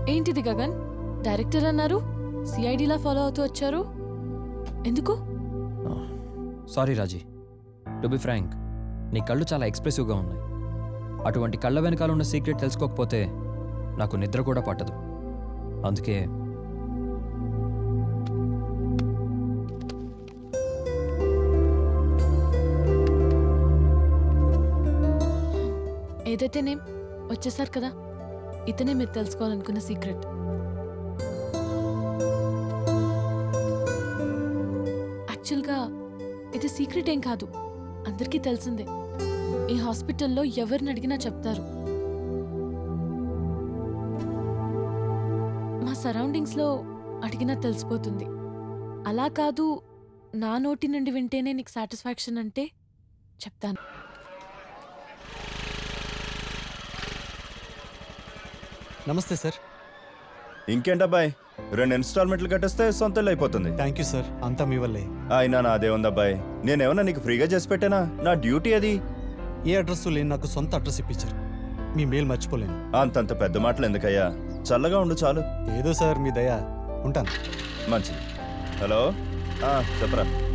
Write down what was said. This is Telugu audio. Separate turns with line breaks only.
ఏంటిది గగన్? డైరెక్టర్ అన్నారు, సిఐడిలా ఫాలో అవుతూ వచ్చారు. ఎందుకు?
Sorry Raji, to be frank, నీ కళ్ళు చాలా ఎక్స్ప్రెసివ్గా ఉన్నాయి. అటువంటి కళ్ళ వెనకాల ఉన్న సీక్రెట్ తెలుసుకోకపోతే నాకు నిద్ర కూడా పట్టదు. అందుకే
ఏదైతేనేం వచ్చేసారు కదా, ఇతనే మీరు తెలుసుకోవాలనుకున్న సీక్రెట్. యాక్చువల్గా ఇది సీక్రెట్ ఏం కాదు, అందరికీ తెలిసిందే. ఈ హాస్పిటల్లో ఎవరిని అడిగినా చెప్తారు. మా సరౌండింగ్స్లో అడిగినా తెలిసిపోతుంది. అలా కాదు, నా నోటి నుండి వింటేనే నీకు సాటిస్ఫాక్షన్ అంటే చెప్తాను.
నమస్తే సార్.
ఇంకేంటబ్బాయ్, 2 ఇన్స్టాల్మెంట్లు కట్టేస్తే సొంతలు అయిపోతుంది.
థ్యాంక్ యూ సార్, అంతా మీ వల్లే.
అయినా నాదే ఉందబ్బాయి, నేనేమన్నా నీకు ఫ్రీగా చేసి పెట్టానా? నా డ్యూటీ అది.
ఏ అడ్రస్ లేని నాకు సొంత అడ్రస్ ఇప్పించారు. మీ మేలు మర్చిపోలేను.
అంతంత పెద్ద మాటలు ఎందుకయ్యా, చల్లగా ఉండు చాలు.
ఏదో సార్ మీ దయ. ఉంటాను.
మంచిది. హలో, చెప్పరా.